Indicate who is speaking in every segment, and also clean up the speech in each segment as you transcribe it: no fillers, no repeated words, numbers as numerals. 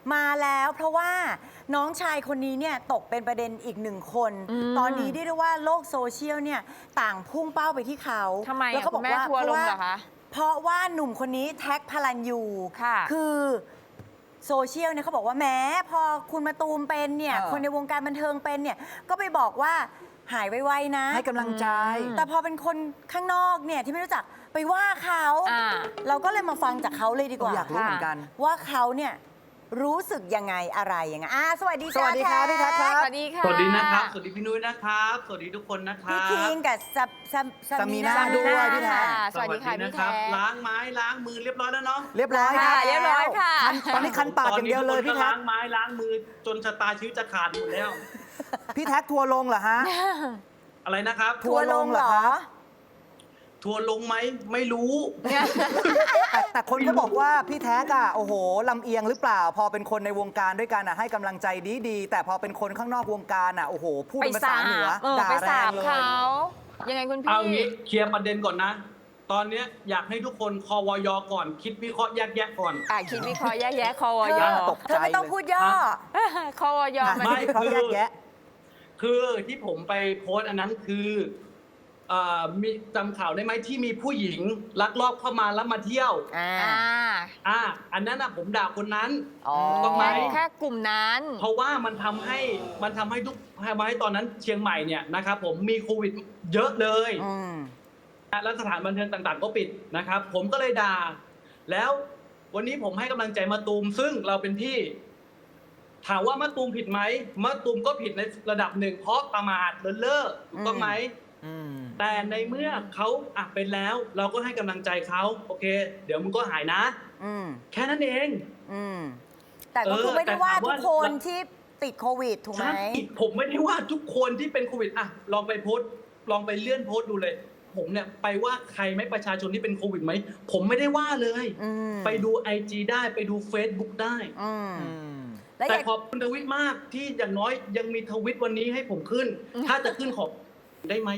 Speaker 1: มาแล้วเพราะว่าน้องชายคนนี้เนี่ยตกเป็นประเด็นอีกหนึ่งคน ตอนนี้เรียกได้ว่าโลกโซเชียลเนี่ยต่างพุ่งเป้าไปที่เขา
Speaker 2: ทำไม
Speaker 1: แล้วก็บอกว่า
Speaker 2: ทัวร์ลงเหรอคะ
Speaker 1: เพราะว่าหนุ่มคนนี้แท็กพลันยู
Speaker 2: ค่ะ
Speaker 1: คือโซเชียลเนี่ยเขาบอกว่าแม้พอคุณมาตูมเป็นเนี่ยคนในวงการบันเทิงเป็นเนี่ยก็ไปบอกว่าหายไวๆนะ
Speaker 3: ให้กำลังใจ
Speaker 1: แต่พอเป็นคนข้างนอกเนี่ยที่ไม่รู้จักไปว่าเขาเราก็เลยมาฟังจากเขาเลยดีกว่า
Speaker 3: อยากรู้เหมือนกัน
Speaker 1: ว่าเขาเนี่ยรู้สึกยังไงอะไรยังไงสวัสดี
Speaker 3: สวัสดีครับพี่แท็กครับ
Speaker 2: สวัสดีค่ะ
Speaker 4: สวัสดีนะครับ สวัสดีพี่นุ้ยนะครับ สวัสดีทุกคนนะครั
Speaker 1: พี่
Speaker 4: บ
Speaker 1: คิงกับซามีนา
Speaker 3: ด้วยพี่แท็ก
Speaker 2: สวัสดีค่ะ
Speaker 4: นะ
Speaker 2: พี่
Speaker 4: ครั
Speaker 2: แท็ก
Speaker 4: ล้างไม้ล้างมือเรียบร้อยแล้วเนาะ
Speaker 3: เรียบร้อยค
Speaker 2: ค่ะ
Speaker 3: รับ
Speaker 2: เรียบร้อยค่ะ
Speaker 3: ตอนนี้คันปากอย่างเดียวเลยพี่แท็ก
Speaker 4: ล้างไม้ล้างมือจนชะตาชีวิตจะขาดหมดแล้ว
Speaker 3: พี่แท็กทัวร์ลงเหรอฮะ
Speaker 4: อะไรนะครับ
Speaker 1: ทัวร์ลงเหรอ
Speaker 4: ทัวร์ลงไหมไม่รู้
Speaker 3: แต่คนก็บอกว่าพี่แท็กอ่ะโอ้โหลำเอียงหรือเปล่า พอเป็นคนในวงการด้วยกันอ่ะให้กำลังใจดีๆแต่พอเป็นคนข้างนอกวงการอ่ะโอ้โหพูด
Speaker 2: ไป
Speaker 3: เป็นภา
Speaker 2: สา
Speaker 3: ษาเหนือบ ด่า
Speaker 2: ไป
Speaker 3: แร
Speaker 2: สาง บ
Speaker 3: เลย
Speaker 2: เขายังไงคุณพี่
Speaker 4: เอางี้เคลียร์ประเด็นก่อนนะ ตอนเนี้ยอยากให้ทุกคนคอวยก่อน คิดวิเคราะห์แยกแยะก่อน
Speaker 2: คิดวิเคราะห์แยกแยะคอว
Speaker 1: เธ
Speaker 2: ย
Speaker 1: อ
Speaker 3: ตกใจ
Speaker 1: เธอไม่ต้องพูดย่อ
Speaker 2: คอวยมัน
Speaker 4: ไม่
Speaker 3: เขาแยกแยะ
Speaker 4: คือที่ผมไปโพสต์อันนั้นคือมีจำข่าวได้ไหมที่มีผู้หญิงลักลอบเข้ามาแล้วมาเที่ยว อันนั้นนะผมด่าคนนั้น ถูกต้องไหม
Speaker 2: แค่กลุ่มนั้น
Speaker 4: เพราะว่ามันทำให้ตอนนั้นเชียงใหม่เนี่ยนะครับผมมีโควิดเยอะเลยแล้วสถานบันเทิงต่างๆ ก็ปิดนะครับ ผมก็เลยด่า แล้ววันนี้ผมให้กำลังใจมะตูมซึ่งเราเป็นพี่ ถามว่ามะตูมผิดไหมมะตูมก็ผิดในระดับหนึ่งเพราะประมาทเลินเล่อถูกต้องไหมแต่ในเมื่อเขาเป็นแล้ว เราก็ให้กำลังใจเขาโอเค เดี๋ยวมึงก็หายนะแค่นั้นเอง
Speaker 1: แต่ก็คือไม่ได้ว่าทุกคนที่ติดโควิดถูกไหม
Speaker 4: ผมไม่ได้ว่าทุกคนที่เป็นโควิดลองไปโพสต์ลองไปเลื่อนโพสต์ดูเลย ผมเนี่ยไปว่าใครไหมประชาชนที่เป็นโควิดไหมผมไม่ได้ว่าเลยไปดู IG ได้ไปดู Facebook ได้แต่ขอบคุณทวิตมากที่อย่างน้อยยังมีทวิตวันนี้ให้ผมขึ้น ถ้าจะขึ้นขอบได้ไหม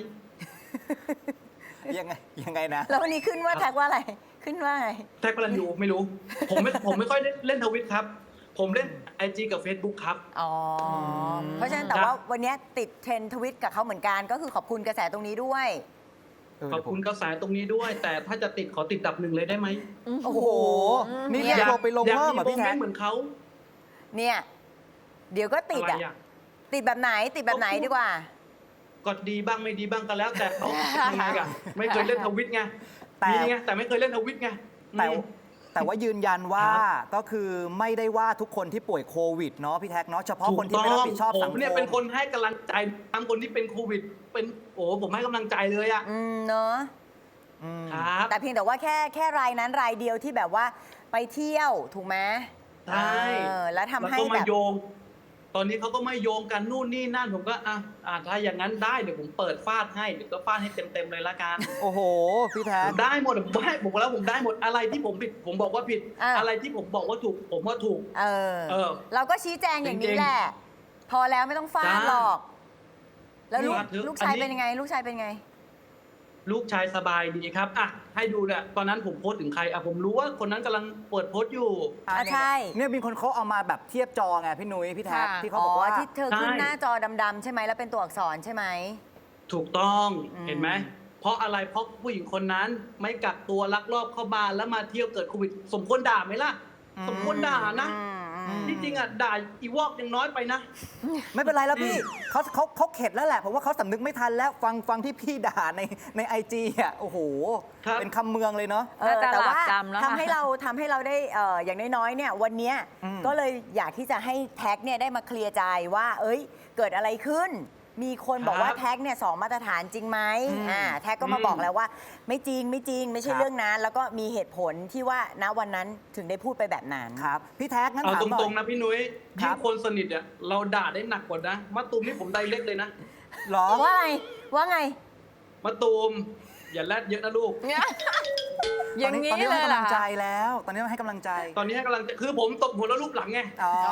Speaker 3: ยังไงนะ
Speaker 1: แล้ววันนี้ขึ้นว่าแท็กว่าอะไรขึ้นว่าไง
Speaker 4: แท็กพลันยูไม่รู้ ผมไม่ค่อยเล่นทวิตครับ ผมเล่น IG กับ Facebook ครับ
Speaker 1: เพราะฉะนั้นแต่ว่าวันนี้ติดเทรนด์ทวิตกับเขาเหมือนกันก็คือขอบคุณกระแสตรงนี้ด้วย
Speaker 4: ขอบคุณกระแสตรงนี้ด้วย แต่ถ้าจะติดขอติดดับหนึ่งเลยได้ไหม
Speaker 3: โอ้โหนี่เรียกเราไปลงเพิ่มเหรอพี่แท็ก
Speaker 4: เหมือนเขา
Speaker 1: เนี่ยเดี๋ยวก็ติดติดแบบไหนติดแบบไหนดีกว่า
Speaker 4: ก็ดีบ้างไม่ดีบ้างก็แล้วแต่เขายังไงกันไม่เคยเล่นทวิตไงมีไงแต่ไม่เคยเล่นทวิตไง
Speaker 3: แต่ว่ายืนยันว่าก็คือไม่ได้ว่าทุกคนที่ป่วยโควิดเนาะพี่แท็กเนาะเฉพาะคนที่ไม่รับผิดชอบสังคม
Speaker 4: ผมเนี่ยเป็นคนให้กำลังใจทำคนที่เป็นโควิดเป็นผมให้กำลังใจเลยอ่ะ
Speaker 1: เนาะ
Speaker 4: ครับ
Speaker 1: แต่เพียงแต่ว่าแค่รายนั้นรายเดียวที่แบบว่าไปเที่ยวถูกไหม
Speaker 4: ใช่
Speaker 1: แล้วทำให้
Speaker 4: แบบตอนนี้เขาก็ไม่โยงกันนู่นนี่นั่นผมก็ถ้าอย่างนั้นได้เดี๋ยวผมเปิดฟาดให้เดี๋ยวก็ฟาดให้เต็มเลยละกัน
Speaker 3: โอ้โหพี่แท็ก
Speaker 4: ได้หมดผมบอกแล้วผมได้หมดอะไรที่ผมผิดผมบอกว่าผิดอะไรที่ผมบอกว่าถูกผมว่าถูก
Speaker 1: เราก็ชี้แจงอย่างนี้แหละพอแล้วไม่ต้องฟาดหรอกแล้วลูกชายเป็นยังไงลูกชายเป็นไง
Speaker 4: ลูกชายสบายดีครับให้ดูเนี่ยตอนนั้นผมโพสต์ถึงใครผมรู้ว่าคนนั้นกำลังเปิดโพสต์อยู่
Speaker 1: ใช่
Speaker 3: เนี่ยมีคนเขาเอามาแบบเทียบจอไงพี่นุ้ยพี่แท็กที่เขาบอกว่า
Speaker 1: ที่เธอขึ้นหน้าจอดำๆใช่ไหมแล้วเป็นตัวอักษรใช่ไหม
Speaker 4: ถูกต้องเห็นไหมเพราะอะไรเพราะผู้หญิงคนนั้นไม่กักตัวลักลอบเข้าบ้านแล้วมาเที่ยวเกิดโควิดสมควรด่าไหมล่ะสมควรด่านะที่จริงด่าอีวอกยังน้อยไปนะ
Speaker 3: ไม่เป็นไรแล้วพี่เขาเข็ดแล้วแหละผมว่าเขาสำนึกไม่ทันแล้วฟังที่พี่ด่าในIGโอ้โหเป็นคำเมืองเลยเนาะ
Speaker 1: แต่ว่าทำให้เราได้อย่างน้อยๆเนี่ยวันนี้ก็เลยอยากที่จะให้แท็กเนี่ยได้มาเคลียร์ใจว่าเกิดอะไรขึ้นมีคนบอกว่าแท็กเนี่ย2 มาตรฐานจริงไหมแท็กก็มาบอกแล้วว่าไม่จริงไม่ใช่เรื่องนั้นแล้วก็มีเหตุผลที่ว่าณวันนั้นถึงได้พูดไปแบบนั้น
Speaker 3: ครับพี่แท็กงั้นถาม
Speaker 4: ตรงๆนะพี่นุ้ยยิ่งคนสนิทเราด่าได้หนักกว่านะมะตูมนี่ผมไดเล็กเลยนะ
Speaker 3: หรอ
Speaker 1: ว่าไง
Speaker 4: มะตูมอย่าแรดเยอะนะลูก
Speaker 2: อย่างนี้เลย
Speaker 3: ตอนนี้ให้กำลังใจแล้วตอนนี้ให้กำลังใจ
Speaker 4: คือผมตบหัวแล้วรูปหลังไง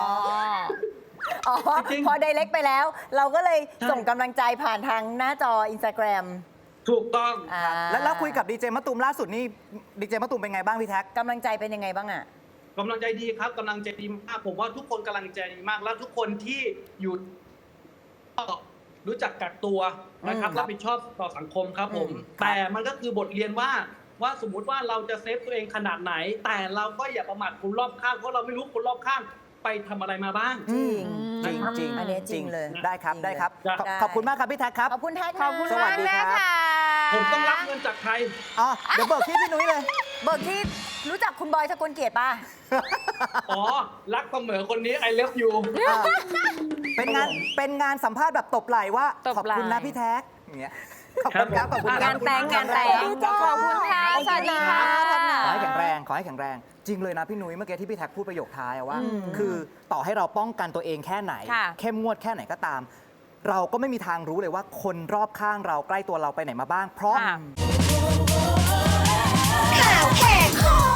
Speaker 1: พอไดเรกไปแล้วเราก็เลยส่งกำลังใจผ่านทางหน้าจอ Instagram
Speaker 4: ถูกต้อง
Speaker 3: แล้วคุยกับดีเจมะตูมล่าสุดนี่ดีเจมะตูมเป็นไงบ้างพี่แท็ก
Speaker 1: กำลังใจเป็นยังไงบ้าง
Speaker 4: กำลังใจดีครับกำลังใจดีมากผมว่าทุกคนกำลังใจดีมากแล้วทุกคนที่อยู่ก็รู้จักกักตัวนะครับรับผิดชอบต่อสังคมครับผม แต่มันก็คือบทเรียนว่าสมมุติว่าเราจะเซฟตัวเองขนาดไหน แต่เราก็อย่าประมาทคนรอบข้างเพราะเราไม่รู้คนรอบข้างไปทำอะไรมาบ้าง
Speaker 1: จริง
Speaker 3: จริงจริง
Speaker 1: อันนี้จริงเลย
Speaker 3: ได้ครับ
Speaker 1: จริง
Speaker 3: ได้ครับ
Speaker 1: เลย
Speaker 3: ขอบคุณมากครับพี่แท็กครับ
Speaker 1: ขอบคุณแท็ก
Speaker 2: ขอบคุณ
Speaker 3: สวั
Speaker 2: มา
Speaker 3: ส
Speaker 2: ก
Speaker 3: ดี
Speaker 2: นะครับ คะ
Speaker 4: ผมต้องรับเงินจากใคร
Speaker 3: อ๋อเดี๋ยวเบิกที่พี่นุ้ยเลย
Speaker 1: เบิกที่รู้จักคุณบอยสกลเกียรติป่ะ
Speaker 4: อ๋อ รักเสมอคนนี้ I love you
Speaker 3: เป็นงานสัมภาษณ์แบบตบไหล่ว่า
Speaker 2: ตบ
Speaker 3: ขอบ
Speaker 2: ไหล่
Speaker 3: คุณนะพี่แท็กอย่างเงี้ยขอบคุณครับขอบคุณครั
Speaker 2: งานแต่งงานแต่งขอบคุณค่ะสวัสดีค่ะ
Speaker 3: ขอให้แข็งแรงขอให้แข็งแรง จริงเลยนะพี่นุ้ยเมื่อกี้ที่พี่แท็กพูดประโยคท้ายอะว่า คือต่อให้เราป้องกันตัวเองแค่ไหน
Speaker 2: ค่ะ
Speaker 3: เข้มงวดแค่ไหนก็ตาม เราก็ไม่มีทางรู้เลยว่าคนรอบข้างเราใกล้ตัวเราไปไหนมาบ้าง เพราะ
Speaker 2: ค่ะ
Speaker 5: ข่าวแหกคอ